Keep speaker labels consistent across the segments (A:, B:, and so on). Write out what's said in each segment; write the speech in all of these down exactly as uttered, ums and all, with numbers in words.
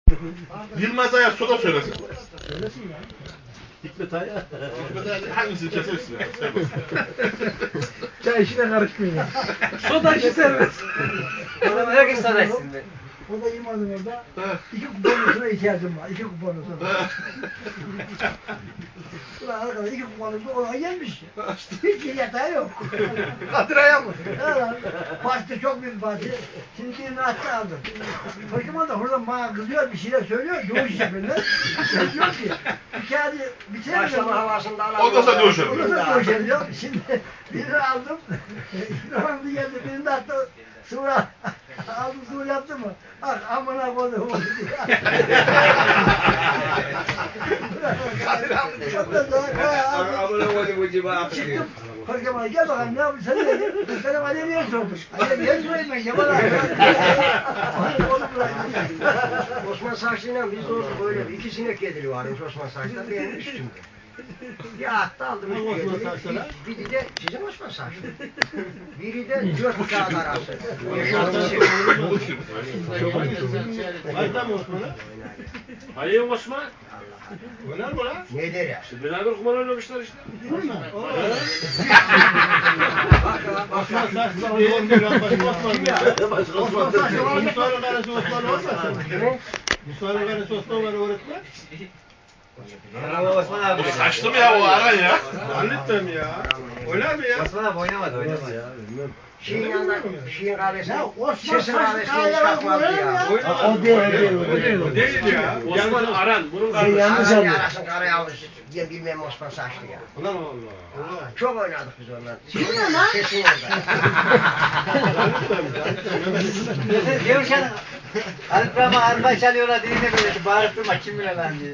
A: Yılmaz Ayar soda söylesin.
B: Söylesin ya.
A: Hikmet Ayar. Hikmet Ayar hangisini kesersin ya?
B: Çay işine karışmayın ya.
C: Soda işi serbest. Orada herkes soda içsin be.
B: O da İmaz'ın orada iki kuponlusuna ihtiyacım var. İki kuponlusuna. Ulan arkadaş iki kuponlusuna ona gelmiş. Hiç yatağı yok.
C: Kadir Ayar mı?
B: Parti çok büyük parti. Şimdi birini attı aldım. Fakiman da oradan bana kızıyor bir şeyler söylüyor. Doğuş yapıyorlar. Ben diyor ki bir kağıdı bitiremedim.
C: Başlama havasında alalım.
A: Ondan sonra dövüşelim.
B: Ondan sonra dövüşelim diyor. Şimdi birini aldım. İkramdı geldi. Birini de attı. Sonra aldım sonra yaptı mı? Ah amına koydum oldu diye.
C: Amına koydum bu ciba.
B: Çıktım. Korkama gel bakalım ne yapıyorsun? Sen ne dedin? Selam Alevi'ye sormuş. Alevi'ye sorayım ben. Yaman abi.
C: Osman Saçlı'yla biz olsun böyle bir iki sinek yedili varmış Osman Saçlı'da benim üstümde. Bir attı aldım üstüne. Biri de sizin Osman Saçlı. Biri de dört kağıt arası.
D: Hayda mı Osman'ı?
E: Hayır Osman.
D: Oynar mı lan?
C: Ne der ya?
E: Siz beraber kumar oynamışlar işte.
D: Osman Saçlı değil. Osman ya. Osman Saçlı var. Musa'nın karısı Osman olmasın? Musa'nın karısı Osman var öğretmen.
C: Osman abi.
A: Bu saçlı mı ya o aran ya?
D: Zannetmem ya. Oynar mı ya?
C: Osman abi oynamadı oynamadı ya. Şiin yanında, Şiin kahvesi,
B: Ya Osman
C: sesin
B: Saçlı
C: kahvesi hiç
B: kahvesi
C: kalkmadı
B: oynar mı
C: ya.
B: ya?
D: Oynar.
B: O değil, o değil, o değil.
D: O değil ya.
E: Osman Aran. Bunun
B: Şey
E: kardeşi.
B: yanlış
C: Aran
B: anlıyor.
C: yarasın karayı almış. Ben bilmem Osman Saçlı ya.
D: Allah Allah.
C: Çok oynadık biz onunla.
B: Kimle lan?
C: Sesin orada.
F: Diyorsan Arif Rahman arpa çalıyorlar diline böyle bağırtırma kim bilir lan diye.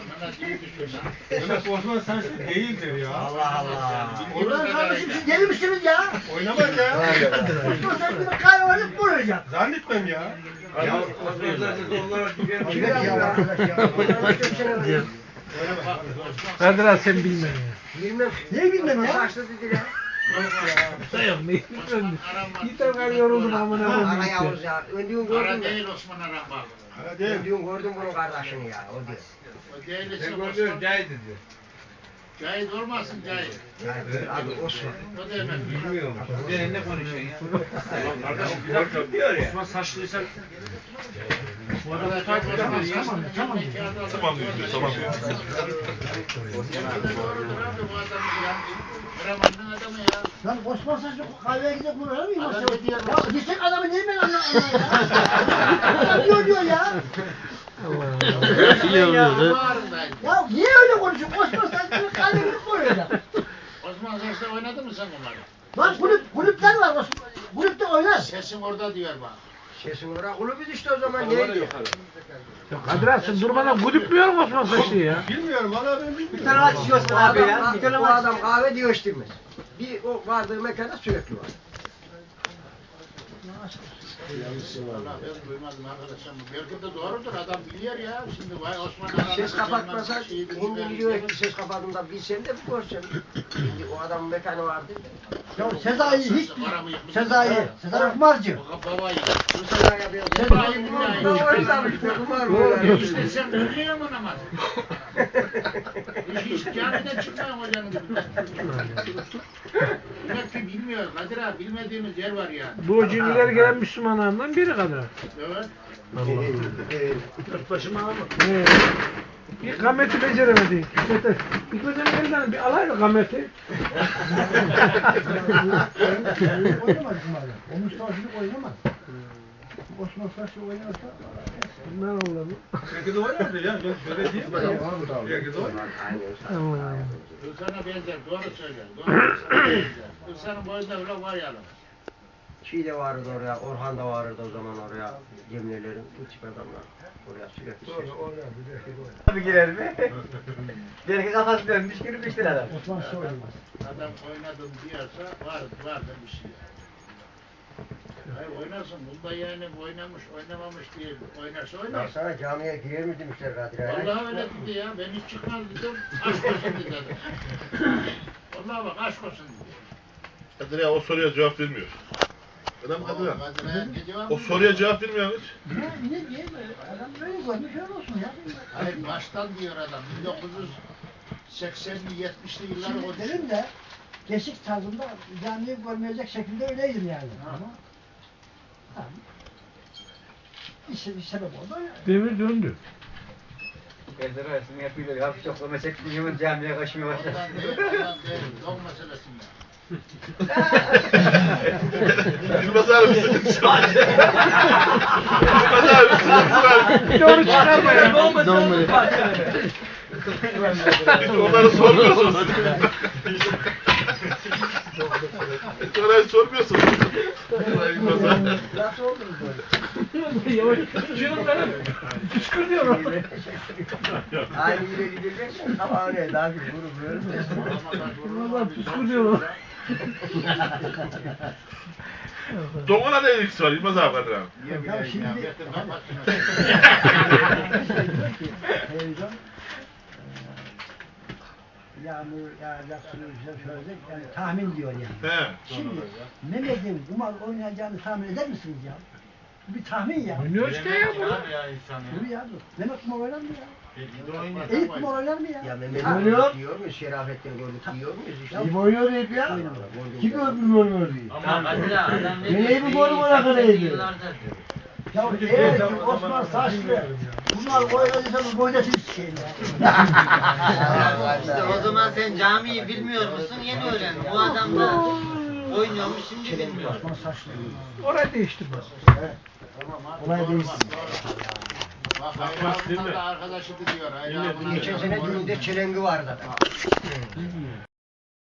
D: Demek Osman Saçlı değildir ya.
C: Allah Allah.
B: Ulan kardeşim siz deli misiniz ya?
D: Oynamaz ya.
B: Osman Saçlı'nın kahve alıp vuracak.
D: Zannetmem ya.
C: Ya Osman Saçlı onlar gibi arkadaş ya. Onlar çok sene var.
B: Kadir abi sen bilmem ya.
C: Bilmem.
B: Ne bilmem ya?
C: Saçlı dedi ya.
B: Sayın ne bilmem. Yeter kadar yoruldum amına
C: Ara
B: koyayım.
C: Yavuz ya. Öndüğün gördün mü?
G: Değil Osman Aran bak.
D: Hala değil.
C: Öndüğün gördün bunun kardeşini ya. O diyor.
G: O değil ise
D: Ben
G: Osman.
D: gördüm Cahit diyor.
G: Cahit olmasın Cahit.
C: Yani adı Osman.
G: O da hemen.
D: Bilmiyorum.
F: Sen ne konuşuyorsun ya?
E: Kardeşim bir dakika diyor ya. Osman Saçlıysan. Bu adam takip edemez.
B: Tamam tamam.
A: Tamam diyor, tamam diyor.
G: Doğrudur abi bu adamı ya. Karaman'ın adamı ya.
B: Lan Osman Saçlı kahveye gidip vurur muyum?
G: Adam
B: Ya
G: ne diyor?
B: gitsek adamı niye ben anlamam ya? Adam diyor diyor ya.
G: Bağrındaydı.
B: Ya niye öyle konuşuyorsun? Osman Saçlı'nın kahveye gidip vuracak.
G: Osman Saç'ta oynadın mı sen bunları?
B: Lan kulüp, kulüpler var. Osman. Kulüpte oynar.
G: Sesin orada diyor bak.
C: Sesin oraya kulübü işte o zaman neydi?
B: Kadir abi sen durmadan kulüp mü yiyorsun Osman Saçlı'yı ya?
D: Bilmiyorum valla ben
F: Bir
D: bilmiyorum.
F: tane aç
C: Bu
F: Osman abi ya.
C: adam,
F: Bir tane
C: bu
F: aç.
C: adam kahve diyor içtirmez. Bir o vardığı mekanda sürekli var.
G: Vallahi ben duymadım arkadaşım. Belki de doğrudur adam biliyor ya. Şimdi vay Osman Aran'ın
C: Ses kapatmasa,
G: şeyi dedi,
C: hindi
G: ben-
C: biliyor ki ses kapattığında bilsem de bir görsem. Şimdi o adamın mekanı vardı.
B: Ya Sezai hiç Sezai, Sezai kumarcı.
G: O babayı.
C: Bu sefer yapıyor.
G: Sezai
C: Bu
G: billahi.
C: bu oynamış, bu kumar mı oynamış?
G: İşte sen biliyor musun namaz? Hiç camiden çıkmayan hocanın dibinden. Demek ki bilmiyor. Kadir abi bilmediğimiz yer var ya.
B: Bu cinliler gelen Müslümanlardan biri Kadir abi.
G: Evet.
B: Başıma alma. Bir gameti beceremedi. Hikmet'e. Hikmet'e elinden bir alaydı gameti. Oynamaz kumarı. O Mustafa'cılık oynamaz. Osman Saçlı oynarsa ne olur?
D: Belki de oynardı ya. Ben şöyle diyeyim mi? Belki de oynar.
B: Allah'ım.
G: Hırsan'a benzer. Doğru söyler. Doğru söyler. Hırsan'ın boyunda öyle var ya.
C: Şey de vardı oraya, Orhan da vardı o zaman oraya. Cemilelerin, bu tip adamlar. Oraya sürekli ses.
F: Abi girer mi? Belki kafası dönmüş girmiştir adam.
B: Osman Saçlı oynamaz.
G: Adam oynadım diyorsa var, vardır bir şey. Hayır oynarsın. Bunda yani oynamış, oynamamış diye oynarsa
C: Ben
G: oynar.
C: sana camiye girer mi demişler Kadir Ay'a?
G: Vallahi öyle dedi ya. Ben hiç çıkmaz dedim. Aşk olsun dedi adam. Vallahi bak aşk olsun dedi.
A: Kadir ya o soruya cevap vermiyor. Adam Kadir Han.
G: Kadir'e gidiyor
A: O
G: mu?
A: soruya cevap vermiyor hiç.
B: Ne, ne diyeyim? Adam böyle görmüş öyle olsun ya.
G: Hayır baştan diyor adam. bin dokuz yüz seksenli yetmişli yılları
B: Şimdi
G: konuşuyor.
B: dedim de geçik tarzında camiyi görmeyecek şekilde öyleydim yani. Ama tamam. İşte bir sebep oldu. Yani.
E: Devir döndü.
F: Evde arasını yapıyorlar. Hafif çoklama çektiği zaman camiye kaçmaya başladı.
G: Ondan değil, ondan değil. Dog meselesi mi?
A: Yılmaz abi bir sıkıntı var. Yılmaz abi bir sıkıntı var.
E: Doğru çıkarma ya.
A: Hiç onları sormuyorsunuz. Hiç onları sormuyorsunuz. Yılmaz abi.
B: Nasıl oldunuz böyle?
E: Yavaş. Şunu benim. Kışkır diyorum.
C: Aynı yere gideceksin ama öyle daha bir grup böyle.
E: Valla kışkır diyorum.
A: Donuna ne ilgisi var Yılmaz abi Kadir Han?
G: Niye bileyim ya?
B: şimdi-
G: Getir kapat şunu.
B: Diyor ki, televizyon eee, yağmur yağacak, suyu söyleyecek, yani tahmin diyor yani.
A: He.
B: Şimdi Mehmet'in kumar oynayacağını tahmin eder misiniz ya? Bu bir tahmin ya.
E: Oynuyor işte ya bu.
B: Dur ya dur. Mehmet kumar oynar mı ya?
G: Oynuyor.
B: Eyüp kumar oynar mı ya?
C: Ya Mehmet
B: Ha,
C: diyor muyuz? Şerafettin gördük diyor muyuz işte?
B: Ya,
D: oynuyor hep ya.
B: oynamıyor.
D: Kim öldü oynuyor diye.
H: Ama Kadir adam ne
D: Neyi
H: diyor?
D: bu golü bana kadar yedi?
H: Yıllardır diyor.
B: Ya eğer ki Osman Saçlı bunlar oynadıysa bu oynasın şeyin ya.
H: İşte o zaman sen camiyi bilmiyor musun? Yeni öğrendin. Bu adam da oynuyormuş şimdi bilmiyor.
B: Osman Saçlı.
E: Orayı değiştirme.
B: Olay değilsin.
G: Bak Hayri abimden de arkadaşı diyor. Hayri abimden de-
C: Geçen sene düğünde çelengi vardı.